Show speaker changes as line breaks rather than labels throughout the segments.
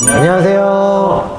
안녕하세요.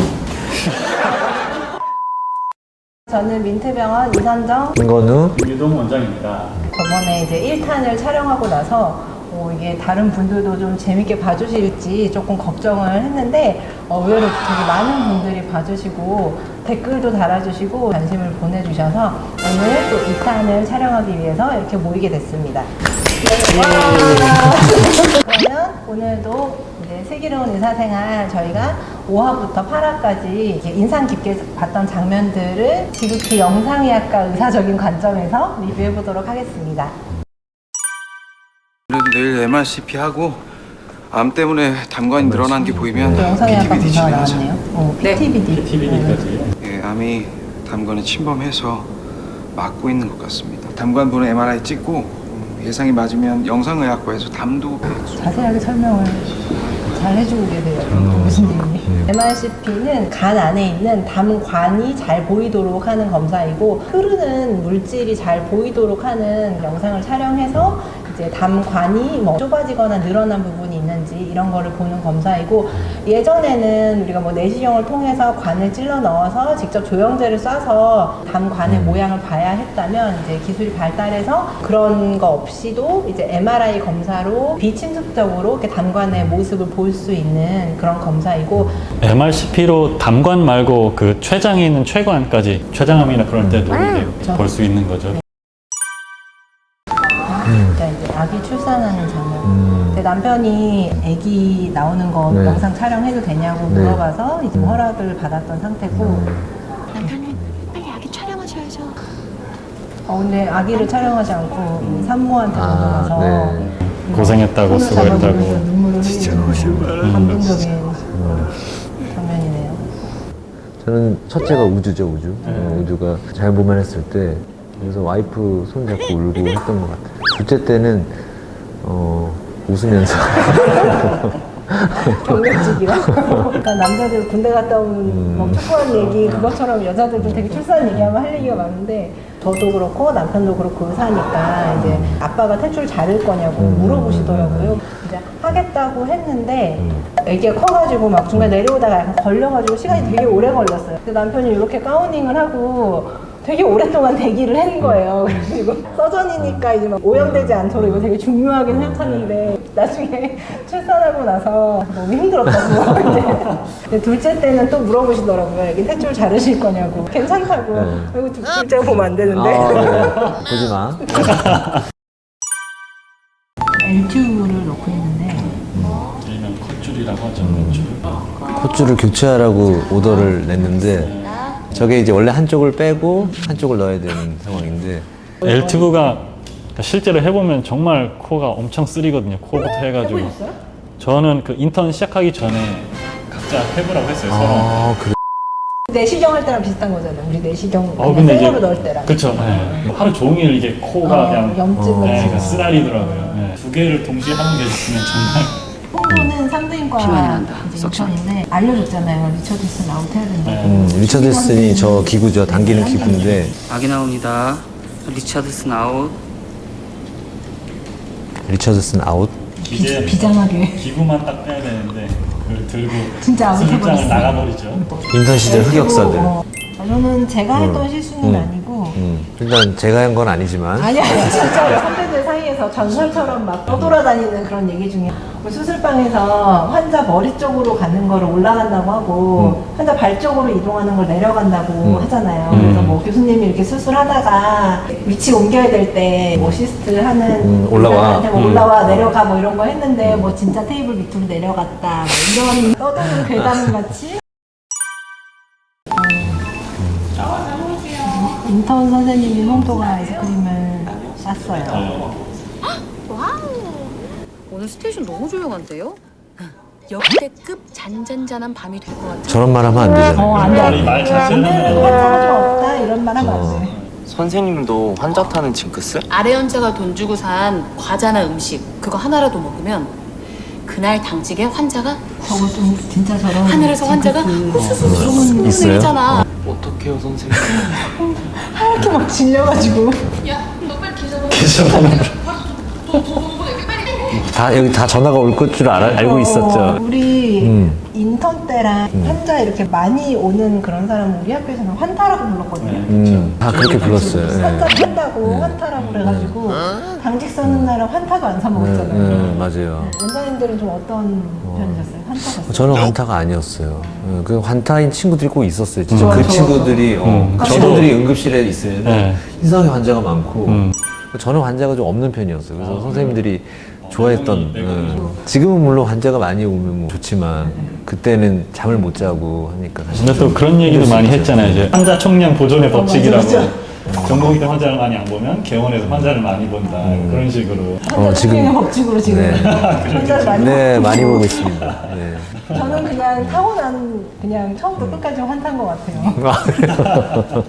저는 민트병원 이선정,
김건우,
김유동 원장입니다.
저번에 이제 1탄을 촬영하고 나서 이게 다른 분들도 좀 재밌게 봐주실지 조금 걱정을 했는데 의외로 되게 많은 분들이 봐주시고 댓글도 달아주시고 관심을 보내주셔서 오늘 또 2탄을 촬영하기 위해서 이렇게 모이게 됐습니다. 그러면 오늘도 이제 슬기로운 의사생활 저희가 5화부터 8화까지 인상 깊게 봤던 장면들을 지극히 영상의학과 의사적인 관점에서 리뷰해 보도록 하겠습니다.
그래도 내일 MRCP 하고 암 때문에 담관이 늘어난 게 보이면
영상의학과
PTBD
검사가
진행하자.
나왔네요. PTBD.
TVD까지.
예, 암이 담관에 침범해서 막고 있는 것 같습니다. 담관분은 MRI 찍고 예상이 맞으면 영상의학과에서 담도
자세하게 설명을 잘 해주고 계세요. 교수님이. MRCP는 간 안에 있는 담관이 잘 보이도록 하는 검사이고 흐르는 물질이 잘 보이도록 하는 영상을 촬영해서 이제 담관이 뭐 좁아지거나 늘어난 부분이 있는지 이런 거를 보는 검사이고 예전에는 우리가 뭐 내시경을 통해서 관을 찔러 넣어서 직접 조영제를 쏴서 담관의 모양을 봐야 했다면 이제 기술이 발달해서 그런 거 없이도 이제 MRI 검사로 비침습적으로 이렇게 담관의 모습을 볼 수 있는 그런 검사이고
MRCP로 담관 말고 그 췌장에 있는 췌관까지 췌장암이나 그럴 때도 볼 수 있는 거죠.
그러니까 이제 아기 출산하는 장면. 근데 남편이 아기 나오는 거
네.
영상 촬영해도 되냐고
네.
물어봐서 이제 허락을 받았던 상태고.
남편님 빨리 아기 촬영하셔야죠.
근데 아기를 촬영하지 않고 산모한테 넘어가서
네.
고생했다고 수고했다고.
눈물을 흘리는 감동적인 장면이네요.
저는 첫째가 우주죠, 우주. 우주가 잘못만 했을 때 그래서 와이프 손 잡고 울고 했던 것 같아요. 둘째 때는 웃으면서
경력직이라. 그러니까 남자들 군대 갔다 온 뭐 축구한 얘기 그것처럼 여자들도 되게 출산 얘기하면 할 얘기가 많은데 저도 그렇고 남편도 그렇고 의사니까 이제 아빠가 퇴출 자를 거냐고 물어보시더라고요. 이제 하겠다고 했는데 애기가 커가지고 막 중간에 내려오다가 약간 걸려가지고 시간이 되게 오래 걸렸어요. 근데 남편이 이렇게 가우닝을 하고 되게 오랫동안 대기를 한 거예요. 그리고 서전이니까 이제 막 오염되지 않도록 이거 되게 중요하게 생각하는데 나중에 출산하고 나서 너무 힘들었다고. 이제 둘째 때는 또 물어보시더라고요. 애기 탯줄 자르실 거냐고. 괜찮다고. 그리고 둘째가 보면 안 되는데.
보지 마.
L튜브를 넣고 있는데
일명 컷줄이라고 하죠. 컷줄.
콧줄을 교체하라고 오더를 냈는데 저게 이제 원래 한쪽을 빼고 한쪽을 넣어야 되는 상황인데
L튜브가 실제로 해보면 정말 코가 엄청 쓰리거든요. 코부터 해가지고.
해보셨어요?
저는 그 인턴 시작하기 전에 각자 해보라고 했어요. 서로.
그래.
내시경 할 때랑 비슷한 거잖아요. 우리 내시경
근데 이제
생으로 넣을 때랑.
그쵸. 네. 하루 종일 이게 코가 그냥
염증을
네,
지금.
쓰라리더라고요. 네. 두 개를 동시에 하는 게 있으면 정말.
홍보는 산부인과 이제 인턴인데 알려줬잖아요. 리처드슨 아웃 해야 된다고.
리처드슨이 저 기구죠. 당기는 기구인데
아기 나옵니다. 리차드슨 아웃.
리처드슨 아웃.
이제
비장하게.
기구만 딱 빼야 되는데 그걸 들고
진짜 아웃
수술장을
해버렸어요.
나가버리죠.
인턴 시절 흑역사들.
저는 제가 했던 실수는 아니고
일단 제가 한 건 아니지만
아니야 진짜 선배들 사이에서 전설처럼 막 떠돌아다니는 그런 얘기 중에 뭐 수술방에서 환자 머리 쪽으로 가는 거를 올라간다고 하고 환자 발 쪽으로 이동하는 걸 내려간다고 하잖아요. 그래서 뭐 교수님이 이렇게 수술하다가 위치 옮겨야 될 때 어시스트 하는
올라와.
의사한테 뭐 올라와 내려가 뭐 이런 거 했는데 뭐 진짜 테이블 밑으로 내려갔다 뭐 이런 떠도는 괴담 같이 인턴 선생님이 홍도가 아이스크림을 쌌어요.
와우. 오늘 스테이션 너무 조용한데요? 역대급 잔잔잔한 밤이 될 것 같아요.
저런 말 하면 안 되잖아요.
안 돼.
말 자체를
오늘은 환자가 좀 없다 이런 말 하면 안 돼.
선생님도 환자 타는 징크스?
아래 연자가 돈 주고 산 과자나 음식 그거 하나라도 먹으면 그날 당직에 환자가
저거 좀 진짜 저런
하늘에서 환자가 후수수
있어요?
내리잖아.
어떡해요 선생님?
이렇게 막 질려가지고
다 여기 다 전화가 올 줄 알고 있었죠.
우리 인턴 때랑 환자 이렇게 많이 오는 그런 사람은 우리 학교에서는 환타라고 불렀거든요.
다 그렇게 불렀어요.
환자
예.
탄다고 환타라고 그래가지고 당직 서는 날은 환타도 안 사 먹었잖아요.
맞아요.
원장님들은 좀 어떤 편이셨어요? 환타셨어요?
저는 환타가 아니었어요. 그 환타인 친구들이 꼭 있었어요. 진짜 그
좋아,
친구들이 친구들이 응급실에 있으면
네.
이상하게 환자가 많고 저는 환자가 좀 없는 편이었어요. 그래서 선생님들이 좋아했던. 지금은 물론 환자가 많이 오면 뭐 좋지만 그때는 잠을 못 자고 하니까 사실
근데 또
좀
그런 얘기도
힘들 수
많이
있죠.
했잖아요. 이제 환자 총량 보존의 법칙이라고.
맞아.
전공의대 환자를 많이 안 보면 개원에서 환자를 많이 본다. 그런 식으로.
환자
지금-
법칙으로 지금
네.
환자를 많이
네, 많이 보고 있습니다. 네.
저는 그냥 타고난 그냥 처음부터 끝까지 환타인 것 같아요.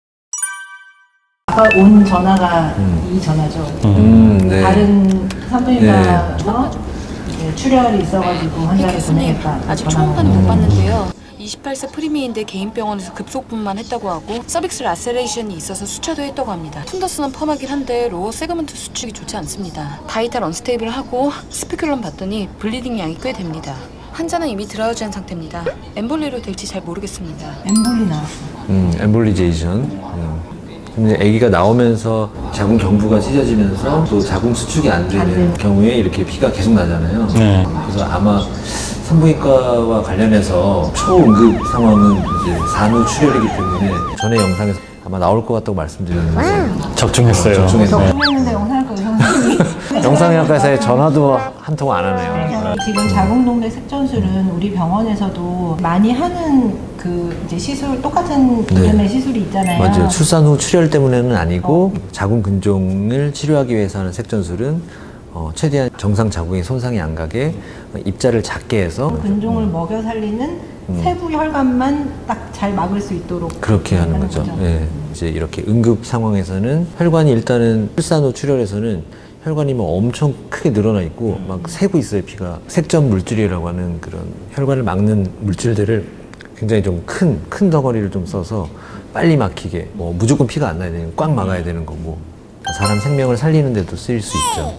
아까 온 전화가 이 전화죠.
네.
다른 산부인과에서 이제 출혈이 있어가지고 환자를
교수님
보내겠다.
아직
전화가
초음파는 못
오고.
봤는데요. 28세 프리미인데 개인 병원에서 급속분만 했다고 하고 서빅스 라세레이션이 있어서 수차도 했다고 합니다. 툰더스는 펌하긴 한데 로어 세그먼트 수축이 좋지 않습니다. 바이탈 언스테이블하고 스피큘럼 봤더니 블리딩 양이 꽤 됩니다. 환자는 이미 드라우지한 상태입니다. 엠볼리로 될지 잘 모르겠습니다.
엠볼리 나왔어요.
엠볼리제이션. 근데 아기가 나오면서 자궁 경부가 찢어지면서 또 자궁 수축이 안 되는 경우에 이렇게 피가 계속 나잖아요.
네.
그래서 아마 산부인과와 관련해서 초응급 상황은 이제 산후 출혈이기 때문에 전에 영상에서 아마 나올 것 같다고 말씀드렸는데
적중했어요.
적중했어요.
네.
적중했는데 영상학과 의사선생님이
영상의학과에서의 전화도 한 통 안 하네요.
지금 자궁동맥 색전술은 우리 병원에서도 많이 하는 그 이제 시술 똑같은
네.
이름의 시술이 있잖아요.
맞아요. 출산 후 출혈 때문에는 아니고 자궁 근종을 치료하기 위해서 하는 색전술은 최대한 정상 자궁에 손상이 안 가게 입자를 작게 해서
근종을 먹여 살리는 세부 혈관만 딱 잘 막을 수 있도록
그렇게 하는 거죠. 예. 이제 이렇게 응급 상황에서는 혈관이 일단은 출산 후 출혈에서는 혈관이 뭐 엄청 크게 늘어나 있고 막 새고 있어요, 피가. 색전 물질이라고 하는 그런 혈관을 막는 물질들을 굉장히 좀 큰 덩어리를 좀 써서 빨리 막히게 뭐 무조건 피가 안 나야 되는 꽉 막아야 되는 거고 사람 생명을 살리는 데도 쓰일 수 있죠.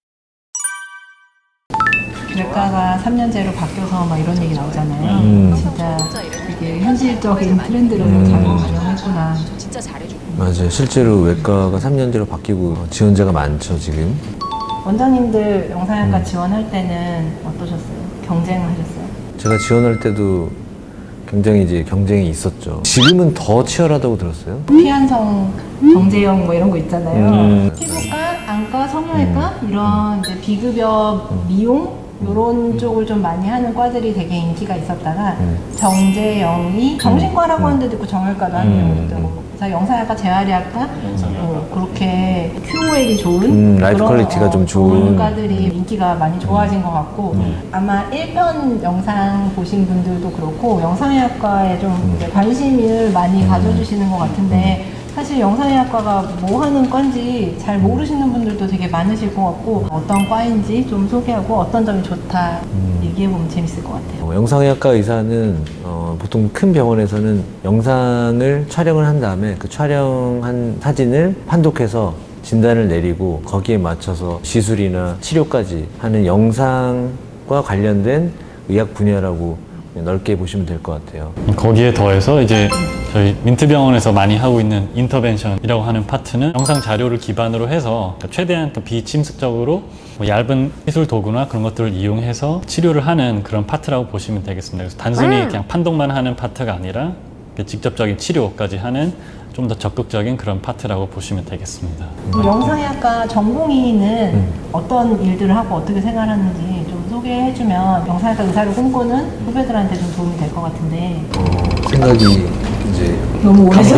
외과가 3년제로 바뀌어서 막 이런 얘기 나오잖아요. 진짜 이게 현실적인 트렌드로 잘 반영했구나.
저 진짜 잘해줘.
맞아요. 실제로 외과가 3년제로 바뀌고 지원자가 많죠, 지금.
원장님들 영상학과 지원할 때는 어떠셨어요? 경쟁하셨어요?
제가 지원할 때도 굉장히 이제 경쟁이 있었죠. 지금은 더 치열하다고 들었어요.
피한성, 정재영 뭐 이런 거 있잖아요. 피부과, 안과, 성형외과 이런 이제 비급여 미용 이런 쪽을 좀 많이 하는 과들이 되게 인기가 있었다가 정재영이 정신과라고 하는 데도 있고 정형외과도 하는 데도 있고 그래서 영상학과, 재활의학과 그렇게 QOL이 좋은
라이프
그런,
퀄리티가 좀 좋은
과들이 인기가 많이 좋아진 것 같고 아마 1편 영상 보신 분들도 그렇고 영상의학과에 좀 이제 관심을 많이 가져주시는 것 같은데 사실 영상의학과가 뭐 하는 과인지 잘 모르시는 분들도 되게 많으실 것 같고 어떤 과인지 좀 소개하고 어떤 점이 좋다 얘기해보면 재밌을 것 같아요.
영상의학과 의사는 보통 큰 병원에서는 영상을 촬영을 한 다음에 그 촬영한 사진을 판독해서 진단을 내리고 거기에 맞춰서 시술이나 치료까지 하는 영상과 관련된 의학 분야라고 넓게 보시면 될 것 같아요.
거기에 더해서 이제 저희 민트병원에서 많이 하고 있는 인터벤션이라고 하는 파트는 영상 자료를 기반으로 해서 최대한 또 비침습적으로 뭐 얇은 시술 도구나 그런 것들을 이용해서 치료를 하는 그런 파트라고 보시면 되겠습니다. 그래서 단순히 그냥 판독만 하는 파트가 아니라 직접적인 치료까지 하는 좀 더 적극적인 그런 파트라고 보시면 되겠습니다.
영상의학과 전공의는 어떤 일들을 하고 어떻게 생활하는지 좀 소개해주면 영상의학과 의사를 꿈꾸는 후배들한테 좀 도움이 될 것 같은데
생각이 이제
너무 오래전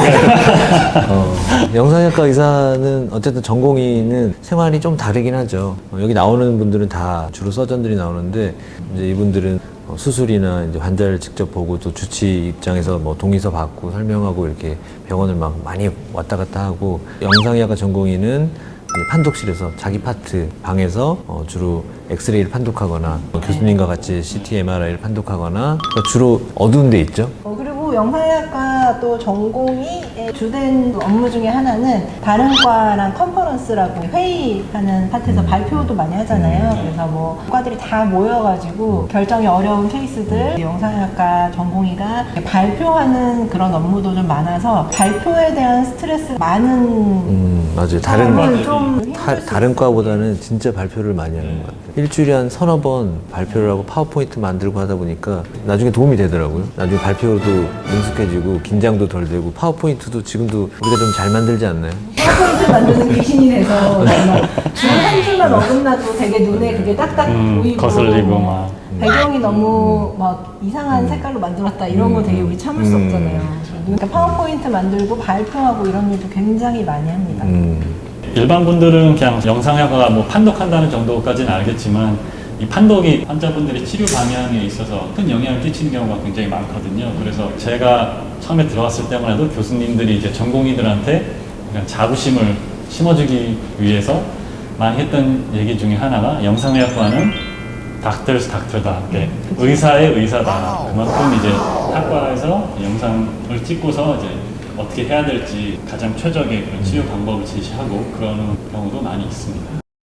영상의학과 의사는 어쨌든 전공의는 생활이 좀 다르긴 하죠. 여기 나오는 분들은 다 주로 서전들이 나오는데 이제 이분들은 수술이나 이제 환자를 직접 보고 또 주치 입장에서 뭐 동의서 받고 설명하고 이렇게 병원을 막 많이 왔다 갔다 하고 영상의학과 전공의는 이제 판독실에서 자기 파트 방에서 주로 엑스레이를 판독하거나 교수님과 같이 CT, MRI를 판독하거나 그러니까 주로 어두운 데 있죠.
그리고 영상의학과 저희가 또 전공의 주된 업무 중에 하나는 다른 과랑 컨퍼런스라고 회의하는 파트에서 발표도 많이 하잖아요. 그래서 뭐 과들이 다 모여가지고 결정이 어려운 케이스들 영상학과 전공의가 발표하는 그런 업무도 좀 많아서 발표에 대한 스트레스 많은
맞아요.
사람은 좀
다른 과보다는 진짜 발표를 많이 하는 것 같아요. 일주일에 한 서너 번 발표를 하고 파워포인트 만들고 하다 보니까 나중에 도움이 되더라고요. 나중에 발표도 능숙해지고 긴장도 덜 되고 파워포인트도 지금도 우리가 좀 잘 만들지 않나요?
파워포인트 만드는 귀신이 돼서 정말 한 줄만 어긋나도 되게 눈에 그게 딱딱 보이고
거슬리고 막.
배경이 너무 막 이상한 색깔로 만들었다 이런 거 되게 우리 참을 수 없잖아요. 그러니까 파워포인트 만들고 발표하고 이런 일도 굉장히 많이 합니다.
일반 분들은 그냥 영상학과가 뭐 판독한다는 정도까지는 알겠지만 이 판독이 환자분들의 치료 방향에 있어서 큰 영향을 끼치는 경우가 굉장히 많거든요. 그래서 제가 처음에 들어왔을 때만 해도 교수님들이 이제 전공의들한테 그냥 자부심을 심어주기 위해서 많이 했던 얘기 중에 하나가 영상의학과는 닥터스 닥터다. 의사의 의사다. 그만큼 이제 학과에서 영상을 찍고서 이제 어떻게 해야 될지 가장 최적의 그런 치료 방법을 제시하고 그러는 경우도 많이 있습니다.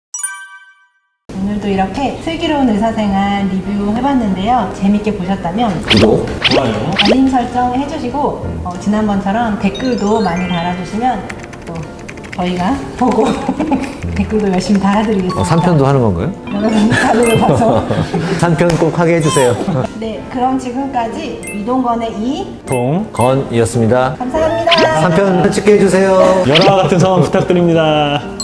오늘도 이렇게 슬기로운 의사생활 리뷰 해봤는데요. 재밌게 보셨다면
구독!
좋아요.
알림 설정 해주시고 지난번처럼 댓글도 많이 달아주시면 또 저희가 보고 댓글도 열심히 달아드리겠습니다.
3편도 하는 건가요?
여러분 반응을 봐서
3편 꼭 하게 해주세요.
네, 그럼 지금까지 이동건의
건이었습니다.
감사합니다.
3편 찍게 해주세요.
열화와 같은 성원 부탁드립니다.